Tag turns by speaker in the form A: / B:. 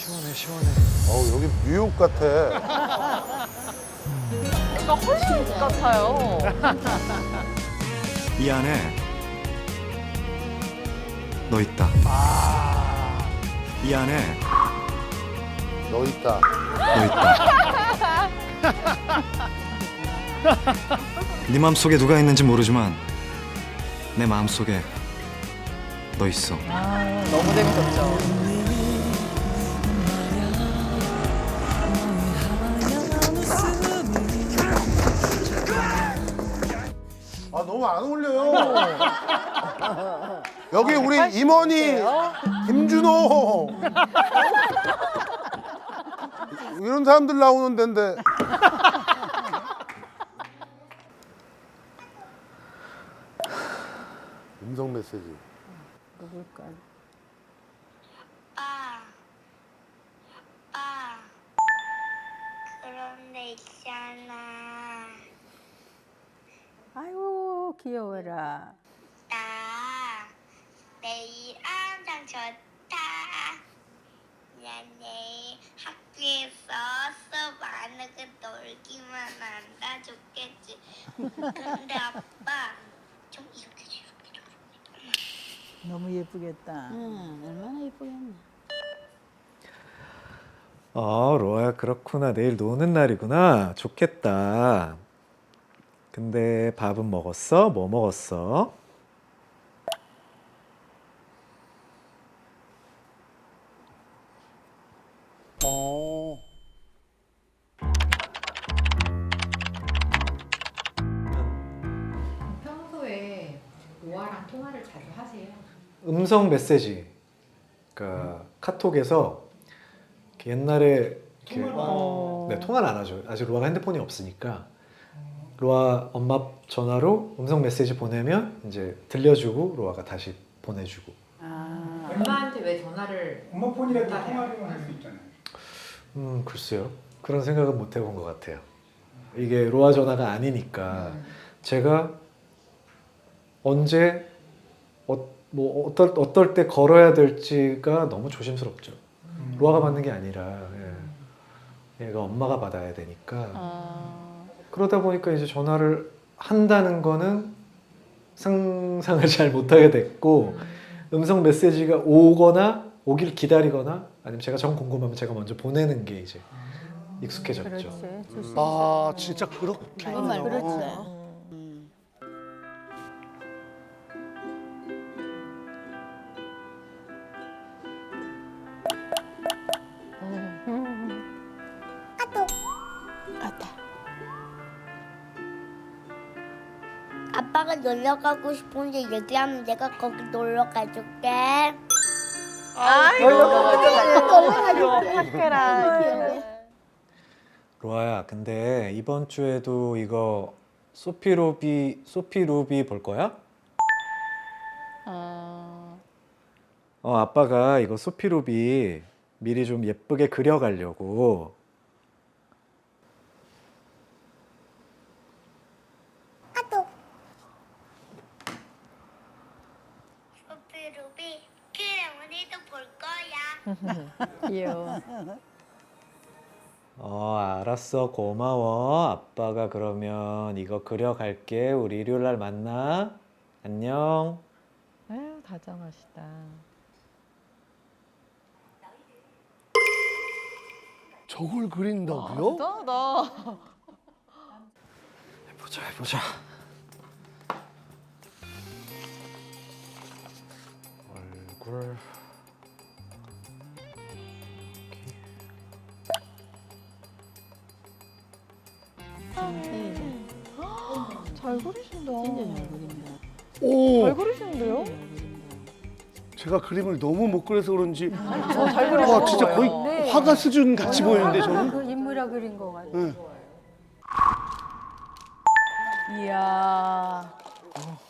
A: 시원해 시원해.
B: 여기 뉴욕 같아.
C: 약간 헐리우드 같아요.
A: 이 안에 너 있다. 이 안에
B: 너 있다.
A: 너 있다. 네 마음속에 누가 있는지 모르지만 내 마음속에 너 있어.
C: 너무 재밌었죠.
B: 너무 안 어울려요. 여기 우리 임원이 김준호 이런 사람들 나오는 데인데. 음성 메시지.
D: 누굴까?
E: 아빠, 그런데 있잖아.
D: 아이고 귀여워라.
E: 나 내일 항상 좋다. 나 내일 학교에서 수업 안 하고 놀기만 한다 좋겠지. 근데 아빠 좀 이렇게 줘.
D: 너무 예쁘겠다. 응, 얼마나 예쁘겠나.
A: 로아야 그렇구나. 내일 노는 날이구나. 좋겠다. 근데 밥은 먹었어? 뭐 먹었어?
F: 평소에 로아랑 통화를 자주 하세요?
A: 음성 메시지. 그러니까 카톡에서 이렇게 옛날에 이렇게 네, 통화를 안 하죠. 아직 로아가 핸드폰이 없으니까 로아 엄마 전화로 음성 메시지 보내면 이제 들려주고 로아가 다시 보내주고.
F: 엄마한테 왜 전화를
G: 엄마 폰이라도 통화를 할 수 있잖아요.
A: 글쎄요. 그런 생각은 못 해본 것 같아요. 이게 로아 전화가 아니니까 제가 언제 어떨 때 걸어야 될지가 너무 조심스럽죠. 로아가 받는 게 아니라 얘가 엄마가 받아야 되니까. 그러다 보니까 이제 전화를 한다는 거는 상상을 잘 못하게 됐고 음성 메시지가 오길 기다리거나 아니면 제가 정 궁금하면 제가 먼저 보내는 게 이제 익숙해졌죠.
D: 그렇지. 줄수
B: 아 진짜 그렇게.
D: 정말 그렇지.
E: 아빠가 놀러 가고 싶은데 얘기하면 내가 거기 놀러 가줄게.
A: 로아야, 근데 이번 주에도 이거 소피 루비 볼 거야? 아빠가 이거 소피 루비 미리 좀 예쁘게 그려가려고.
E: 소피 루비, 그래 우리도 볼 거야.
D: 귀여워.
A: 알았어. 고마워. 아빠가 그러면 이거 그려갈게. 우리 일요일 날 만나. 안녕.
C: 아유, 다정하시다.
B: 저걸 그린다고요?
C: 대단하다.
A: 해보자. 얼굴.
C: 잘 그리신다.
D: 진짜 잘 그린다.
B: 오,
C: 잘 그리시는데요?
B: 제가 그림을 너무 못 그려서 그런지
C: 잘 그리신
B: 와 진짜 거의
C: 거예요.
B: 화가 수준 같이 보이는데 저는.
D: 그 인물아 그린 거 같아.
B: 네.
C: 이야.